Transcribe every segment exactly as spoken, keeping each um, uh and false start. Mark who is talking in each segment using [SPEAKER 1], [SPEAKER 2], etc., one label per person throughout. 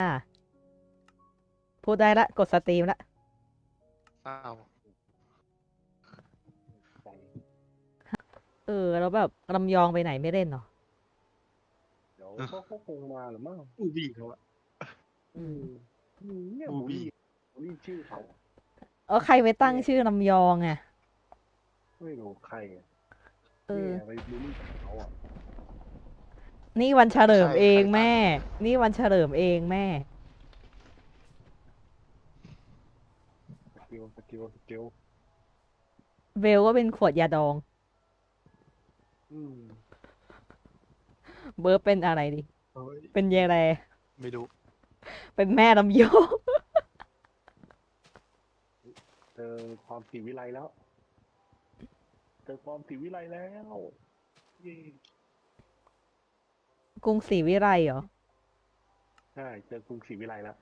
[SPEAKER 1] อ่ะพูดได้ละกดสตรีมละ
[SPEAKER 2] เศร้า
[SPEAKER 3] ใจ
[SPEAKER 1] เออแล้วแบบลำยองไปไหนไม่เล่นเหรอ
[SPEAKER 3] เดี๋ยวเขาเขาคงมาหรือมั้ง
[SPEAKER 2] บูบี้เขาอะ
[SPEAKER 1] อืม
[SPEAKER 3] อืมอืมเนี่ย
[SPEAKER 2] บูบี้
[SPEAKER 3] บูลลี่บูลลี่ชื่อเขา
[SPEAKER 1] เออใครไปตั้ง
[SPEAKER 3] เนี่ย
[SPEAKER 1] ชื่อลำยองอ่ะ
[SPEAKER 3] ไม่รู้ใครอะ
[SPEAKER 1] เออ
[SPEAKER 3] เนี่ยไปบูลลี่เขาอ่ะ
[SPEAKER 1] นี่วันเฉลิ
[SPEAKER 2] ใคร
[SPEAKER 1] มเอ
[SPEAKER 2] ใคร
[SPEAKER 1] งแม่
[SPEAKER 2] ตั้ง
[SPEAKER 1] นี่วันเฉลิมเองแม่
[SPEAKER 3] สกิลสกิลสกิล
[SPEAKER 1] เบลก็เป็นขวดยาดอง
[SPEAKER 3] อืม
[SPEAKER 1] เบิร์ดเป็นอะไรดิ
[SPEAKER 2] เฮ้ย
[SPEAKER 1] เป็นเยแร
[SPEAKER 2] ไม่รู้
[SPEAKER 1] เป็นแม่ลำยอง
[SPEAKER 3] เจอความศรีวิไลแล้วเจอความศรีวิไลแล้วเย่
[SPEAKER 1] กรุงศรีวิไลเหรอ
[SPEAKER 3] ใช่เจอกรุงศรีวิไลแล้ว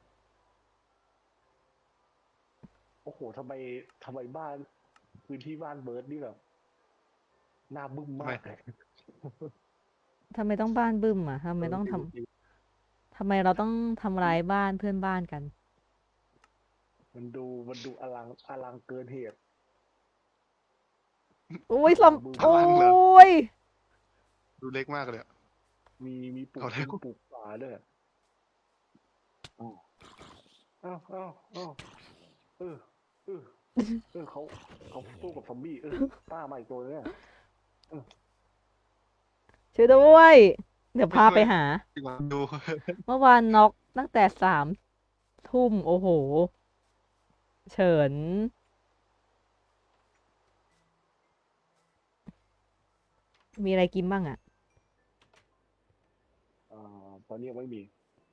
[SPEAKER 3] โอ้โหทำไมทำไมบ้านพื้นที่บ้านเบิร์ดนี่แบบหน้าบึ้ม
[SPEAKER 2] ทำไม
[SPEAKER 3] มากเลย
[SPEAKER 1] ทำไมต้องบ้านบึ้มอ่ะทำ
[SPEAKER 3] เอ
[SPEAKER 1] ไมต้องท
[SPEAKER 3] อจริงจริง
[SPEAKER 1] ำทำไมเราต้องทำร้ายบ้านเพื่อนบ้านกัน
[SPEAKER 3] มันดูมันดูอลังอลังเกินเหตุ
[SPEAKER 1] โอ้ยล
[SPEAKER 3] หน้าบึ้
[SPEAKER 1] ำ
[SPEAKER 2] พ
[SPEAKER 1] โอ้
[SPEAKER 2] ลังเหรอ
[SPEAKER 1] ย
[SPEAKER 2] ดูเล็กมากเลยอะ
[SPEAKER 3] มีมีปลู
[SPEAKER 2] เอาแล้ว
[SPEAKER 3] กพงปลูกป่าด้วยอ้าวอ้าวอ้าวอ้าวเออเออเออเขาเขาสู้กับซอมบี้เออป้ามาอีกตัวเนี่ยเออ
[SPEAKER 1] ช่วยด้วยเดี๋ยว
[SPEAKER 2] ไม่ช่วย
[SPEAKER 1] พาไปหา
[SPEAKER 2] ดีกว่าดู
[SPEAKER 1] เมื่อวานน็อกตั้งแต่สามทุ่มโอ้โหเฉินมีอะไรกินบ้างอ่ะ
[SPEAKER 3] อ่าตอนนี้ยังไม่มี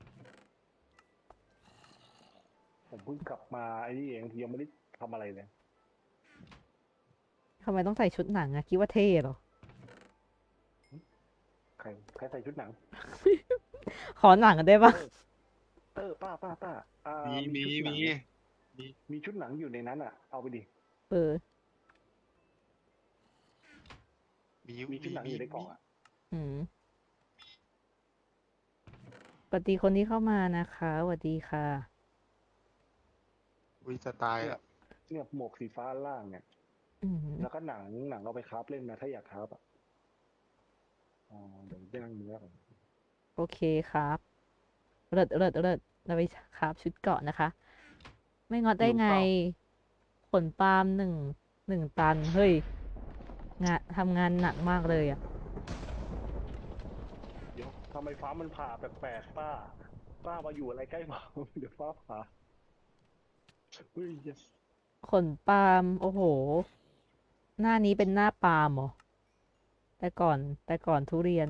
[SPEAKER 3] ผมเพิ่งกลับมาไอ้นี่เองยังไม่ได้ทำอะไรเลย
[SPEAKER 1] ทำไมต้องใส่ชุดหนังอ่ะคิดว่าเท่เหรอ
[SPEAKER 3] ใครใครใส่ชุดหนัง
[SPEAKER 1] ขอหนังได้ปะ
[SPEAKER 3] เออเออป้าป้าป้าอ่า
[SPEAKER 2] มี
[SPEAKER 3] มี
[SPEAKER 2] มีมี
[SPEAKER 3] ชุดหนัง
[SPEAKER 2] มี
[SPEAKER 3] มีชุดหนังอยู่ในนั้นอ่ะเอาไปดิ
[SPEAKER 1] เออ
[SPEAKER 2] มี
[SPEAKER 3] มีชุด
[SPEAKER 2] มีมี
[SPEAKER 3] หนังอยู่ในกล่
[SPEAKER 2] มี
[SPEAKER 3] องอ่ะ
[SPEAKER 1] อืมสวัสดีคนที่เข้ามานะคะสวัสดีค่ะ
[SPEAKER 2] วิจะตาย
[SPEAKER 3] เนี่ย
[SPEAKER 2] อ่ะ
[SPEAKER 3] เนี่ยหมวกสีฟ้าล่างเนี่ย
[SPEAKER 1] อืม
[SPEAKER 3] แล้วก็หนังหนังเอาไปคราฟเล่นนะถ้าอยากคราฟอ่ะอ๋อเดี๋ยวย่างเนื้อก่อน
[SPEAKER 1] โอเคครับเลิศเลิศเลิศเราไปครับชุดเกราะนะคะไม่งอดได้ไง
[SPEAKER 3] หิวเปล่า
[SPEAKER 1] ขนปาล์มหนึ่งหนึ่งตันเฮ้ยงานทำงานหนักมากเลยอ่ะ
[SPEAKER 3] เดี๋ยวทำไมฟ้ามันผ่าแปลกๆป้าป้ามาอยู่อะไรใกล้ฟ้าเดี๋ยวฟ้าผ่าเฮ้ย yes
[SPEAKER 1] ขนปาล์มโอ้โหหน้านี้เป็นหน้าปาล์มเหรอแต่ก่อนแต่ก่อนทุเรียน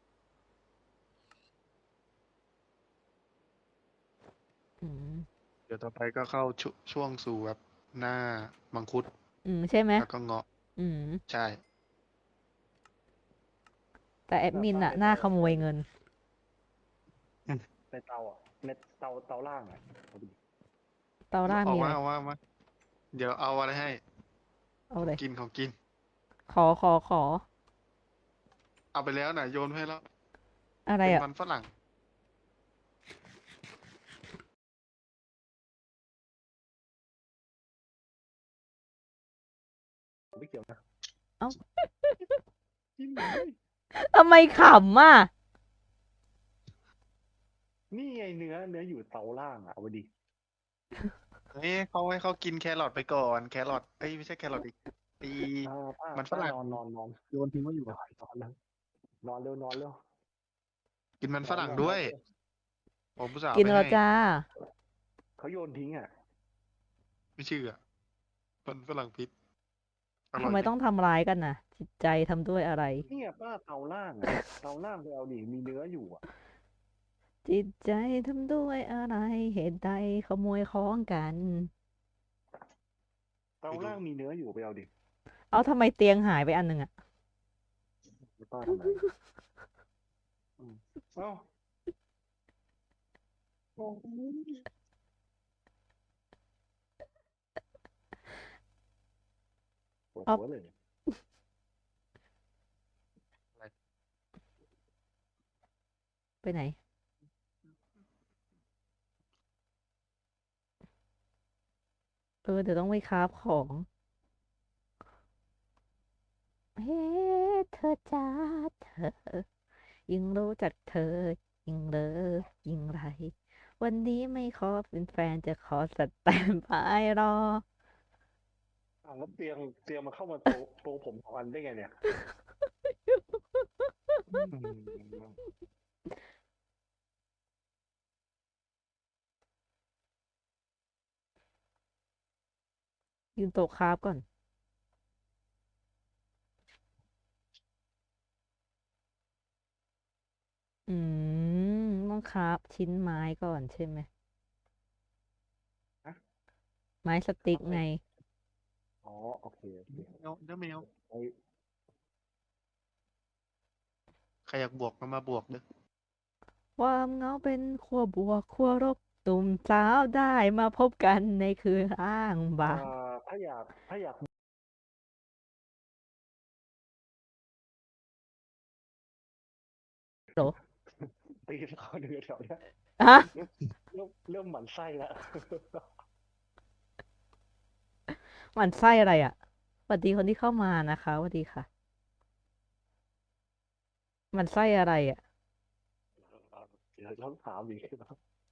[SPEAKER 1] อืม
[SPEAKER 2] เดี๋ยวต่อไปก็เข้าชช่วงสู่แบบหน้ามังคุด
[SPEAKER 1] อืมใช่ไหม
[SPEAKER 2] แล้วก็เงาะ
[SPEAKER 1] อืม
[SPEAKER 2] ใช่
[SPEAKER 1] แต่แอด
[SPEAKER 3] หน้า
[SPEAKER 1] มินอะหน้า
[SPEAKER 3] ป้าในเตา
[SPEAKER 1] ขโม
[SPEAKER 3] ใน
[SPEAKER 1] ยเงิน
[SPEAKER 3] ในเตาอ่ะในเตาเตาล่างอ่ะเอาดิ
[SPEAKER 1] เตาล่าง
[SPEAKER 2] เอา
[SPEAKER 1] มีอะไร
[SPEAKER 2] มาเอามาเอามาเดี๋ยวเอาอะไรให้ของ
[SPEAKER 1] เอาเลย
[SPEAKER 2] กินของกิน
[SPEAKER 1] ขอขอขอ
[SPEAKER 2] เอาไปแล้วน่ะโยนให้แล้ว
[SPEAKER 1] อะไรอะ
[SPEAKER 2] เป็นมันฝรั่ง
[SPEAKER 3] ไม่เกี่ยวนะ
[SPEAKER 1] เอ้า
[SPEAKER 3] กินเลย
[SPEAKER 1] ทำไมขำอ่ะ
[SPEAKER 3] นี่ไงเนื้อเนื้ออยู่เตาล่างอ่ะเอาไปดิ
[SPEAKER 2] เฮ้ยเขาให้เขากินแครอทไปก่อนแครอทเอ้ยไม่ใช่แครอทอีกตี
[SPEAKER 3] อ่าป้า
[SPEAKER 2] มันฝรั่ง
[SPEAKER 3] ป้านอนนอนนอน
[SPEAKER 2] โยนทิ้งไว้อยู่
[SPEAKER 3] นอนนอนแล้วนอนเร็วนอนเร็ว
[SPEAKER 2] กินมัน
[SPEAKER 3] นอน
[SPEAKER 2] ฝรั่งด้วย
[SPEAKER 3] นอนนอนเร็ว
[SPEAKER 2] ผมผู้สาว
[SPEAKER 1] กิน
[SPEAKER 2] ไปให้
[SPEAKER 1] แล้วจ้า
[SPEAKER 3] เขาโยนทิ้งอ่ะ
[SPEAKER 2] ไม่เชื่อมันฝรั่งพิษอ
[SPEAKER 1] ทำ
[SPEAKER 2] ร่อยดิ
[SPEAKER 1] ไมต้องทำร้ายกันน่ะจิตใจทำด้วยอะไร
[SPEAKER 3] เนี่ยป้าเตาล่างอ่ะเตาล่างไปเอาดิมีเนื้ออยู่อ่ะ
[SPEAKER 1] จิตใจทำด้วยอะไรเหตุใดขโมยของกัน
[SPEAKER 3] เตา
[SPEAKER 2] ไปดู
[SPEAKER 3] ล่างมีเนื้ออยู่ไปเอาดิ
[SPEAKER 1] เอาทำไมเตียงหายไปอันหนึ่งอะ
[SPEAKER 3] ป้าทำอะไรอืมเอ้าโอ้โหปวด
[SPEAKER 1] เอา
[SPEAKER 3] หัวเลย
[SPEAKER 1] ไปไหนเออเดี๋ยวต้องไปคราฟของ เฮ้เธอจ้าเธอ ยิ่งรู้จักเธอ ยิ่งเลิฟยิ่งไร วันนี้ไม่ขอเป็นแฟนจะขอสแตนบายรอ
[SPEAKER 3] อ่าวแล้วเตียงเตียงมันเข้ามาโตะโตะผมสองอันได้ไงเนี่ย
[SPEAKER 2] อืม
[SPEAKER 1] ยืนโต๊ะคราฟก่อน อืม ต้องคราฟชิ้นไม้ก่อนใช่ไหม
[SPEAKER 3] ฮะ
[SPEAKER 1] ไม้สติ๊กไง
[SPEAKER 3] อ๋อโอเคโอเค
[SPEAKER 2] เดี๋ยวเดี๋ยวแมว
[SPEAKER 3] ไอ้
[SPEAKER 2] ใครอยากบวกก็มาบวกเด้อ
[SPEAKER 1] ความเหงาเป็นขั้วบวกขั้วลบหนุ่มสาวได้มาพบกันในคืนอ้างบา
[SPEAKER 3] อ่าง ถ้าอยากถ้าอยาก
[SPEAKER 1] โหร
[SPEAKER 3] ตีเขาเดือแถวเนี้ย
[SPEAKER 1] ฮะ
[SPEAKER 3] เริ่มเริ่มเริ่มหมั่นไส้แล้ว
[SPEAKER 1] หมั่นไส้อะไรอ่ะสวัสดีคนที่เข้ามานะคะสวัสดีค่ะหมั่นไส้อะไรอ่ะ
[SPEAKER 3] เดี๋ยวต้องถามอีกนะ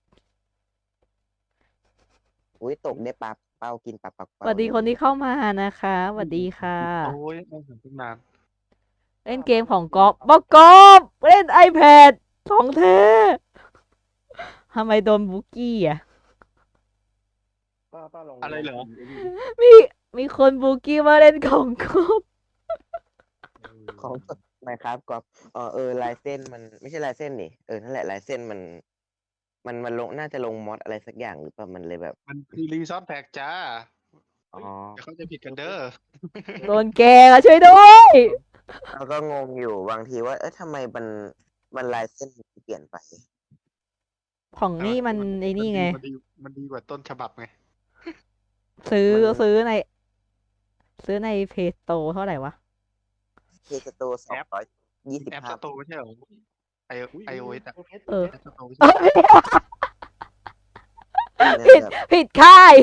[SPEAKER 4] อุ้ยตกได้ปลาเป้ากินปลาปัก
[SPEAKER 1] ส
[SPEAKER 4] เป้า
[SPEAKER 1] วัสดี
[SPEAKER 4] เลย
[SPEAKER 1] คนที่เข้ามานะคะสวัสดีค่ะ
[SPEAKER 2] โอ้ยไม่เห็นตั้งนาน
[SPEAKER 1] เล่นเกมของกอบบอกกอบเล่น iPad ของเธอทำไมโดนบุกกี้อ่ะ
[SPEAKER 3] ป้าป้าลอง
[SPEAKER 2] อะไรเหรอ
[SPEAKER 3] ลงพิมพ์ไอ้นี่ดิ
[SPEAKER 1] มีมีคนบุกกี้มาเล่นของกอบ
[SPEAKER 3] เออ
[SPEAKER 4] ของไมครับก็เออเออลายเส้นมันไม่ใช่ลายเส้นนี่เออนั่นแหละลายเส้นมัน มันมันลงน่าจะลงมอดอะไรสักอย่างหรือเปล่ามันเลยแบบ
[SPEAKER 2] มันคือรีซอสแพ็กจ้า
[SPEAKER 4] อ๋อ
[SPEAKER 2] เดี๋ยวเขาใจะผิดกันเด้อ
[SPEAKER 1] โดนแกงอ่ะช่วยด้วย
[SPEAKER 4] เราก็งงอยู่บางทีว่าเอ๊ะทำไมมันมันลายเส้นมันเปลี่ยนไป
[SPEAKER 1] ของนี่มันไอ้นี่ไง
[SPEAKER 2] มันดีมันดีกว่าต้นฉบับไง
[SPEAKER 1] ซื้อ
[SPEAKER 4] มัน
[SPEAKER 1] ซื้อใน ซื้อในเพจโตเท่าไหร่วะ
[SPEAKER 4] เคสโตสองร้อยยี่สิบ
[SPEAKER 2] แอป
[SPEAKER 4] ห้า
[SPEAKER 2] สโตร์ไม่ใช่เหรอไอ
[SPEAKER 3] อุ๊ย
[SPEAKER 2] ไอโอเอสอะ
[SPEAKER 3] เพชร
[SPEAKER 1] เออ
[SPEAKER 2] แอปสโตร์ไม่
[SPEAKER 1] เอ้
[SPEAKER 2] ใช่
[SPEAKER 1] ย
[SPEAKER 4] เนี่ย
[SPEAKER 1] ผิด
[SPEAKER 4] แบบ
[SPEAKER 1] ผิดค่าย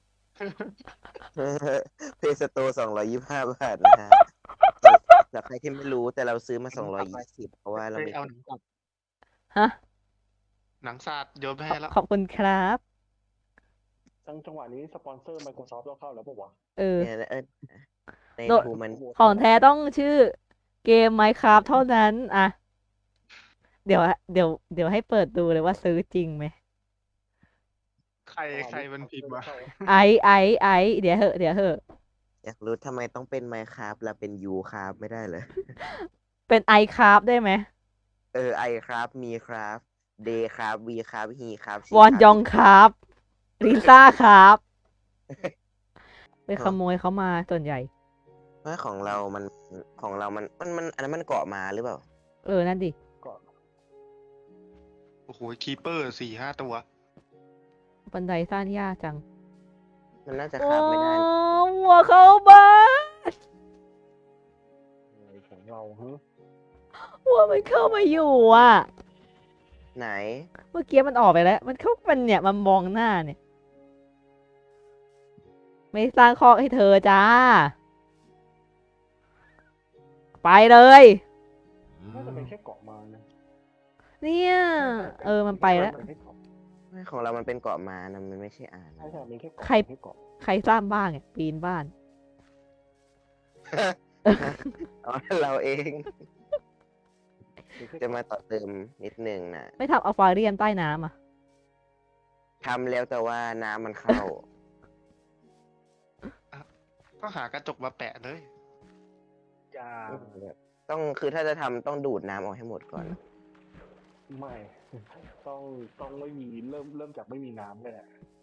[SPEAKER 4] เพสโตสองร้อยยี่สิบห้าบาทนะฮะสำหรับใครที่ไม่รู้แต่เราซื้อมาสองร้อยยี่สิบเพราะว่าเรา
[SPEAKER 2] เฮ้ย
[SPEAKER 4] ไม่
[SPEAKER 2] เอาหนังสัตว์
[SPEAKER 1] ฮะ
[SPEAKER 2] หนังสัตว์โยนไป
[SPEAKER 1] ขอ
[SPEAKER 2] ให้แล้ว
[SPEAKER 1] ขอบคุณครับ
[SPEAKER 3] จังจังหวะนี้สปอนเซอร์ Microsoft ต้องเข้าแล้วปะวะ
[SPEAKER 1] เออ
[SPEAKER 4] เนี่ยเออใน
[SPEAKER 1] โด
[SPEAKER 4] ทูมัน
[SPEAKER 1] ของแท้ต้องชื่อเกม Minecraft เท่านั้น อ่ะ เดี๋ยว เดี๋ยว เดี๋ยวให้เปิดดูเลยว่าซื้อจริงไหม
[SPEAKER 2] ใครใครมันพิมพ์วะ
[SPEAKER 1] ไอไอไอเดี๋ยวเหอะ เดี๋ยวเหอะ
[SPEAKER 4] อยากรู้ทำไมต้องเป็นไมครับแล้วเป็นยูครับไม่ได้เลย
[SPEAKER 1] เป็น iCraft ได้ไหม
[SPEAKER 4] เออไอครับมีครับเดย์ครับวีครับฮีครับชี
[SPEAKER 1] วอน
[SPEAKER 4] ครับ
[SPEAKER 1] ยองครับลิซ่าครับ ไปขโมยเขามาส่วนใหญ่
[SPEAKER 4] ว่าของเรามันของเรามันมันมันอันนั้นมันเกาะมาหรือเปล่า
[SPEAKER 1] เออ นั่นดิ
[SPEAKER 3] ก็
[SPEAKER 2] โอ้โหคีเปอร์สี่ห้าตัว
[SPEAKER 1] บันไดสร้างยากจัง
[SPEAKER 4] มันน่าจะ
[SPEAKER 1] โอ้
[SPEAKER 4] คาบไม่ได้
[SPEAKER 1] หัวเข้าบ้าน
[SPEAKER 3] อะไรของเราฮะ
[SPEAKER 1] หัวมันเข้ามาอยู่อ่ะ
[SPEAKER 4] ไหน
[SPEAKER 1] เมื่อกี้มันออกไปแล้ว มันเข้ามันเนี่ย มันมองหน้าเนี่ย ไม่สร้างคอกให้เธอจ้า ไปเลย
[SPEAKER 3] น่าจะเป็นแค่เกาะมานะ
[SPEAKER 1] เนี่ย เออ มันไปแล้ว
[SPEAKER 3] เป็นแค่เกาะ
[SPEAKER 4] ไม่ของเรามันเป็นเกาะมานะมันไม่ใช่อ่าน
[SPEAKER 3] ใช่ใช่เป็นแค่เกาะ
[SPEAKER 1] ใคร
[SPEAKER 3] เป็นแค่เกาะ
[SPEAKER 1] ใครสร้างบ้านเนี่ย ปีนบ้าน
[SPEAKER 4] อ๋อเราเอง
[SPEAKER 3] เป็นแค่
[SPEAKER 4] จะ
[SPEAKER 3] เกาะ
[SPEAKER 4] มาต่อเติมนิดนึงนะ
[SPEAKER 1] ไม่ทำอควาเรียมใต้น้ำอ่ะ
[SPEAKER 4] ทำแล้วแต่ว่าน้ำมันเข้า
[SPEAKER 2] ก็หากระจกมาแปะเลย
[SPEAKER 3] ยา
[SPEAKER 4] ต้องคือถ้าจะทำต้องดูดน้ำออกให้หมดก่อน
[SPEAKER 3] ไม่ ต้องต้องไม่มีเริ่มเริ่มจากไม่มีน้ำเลยแหละ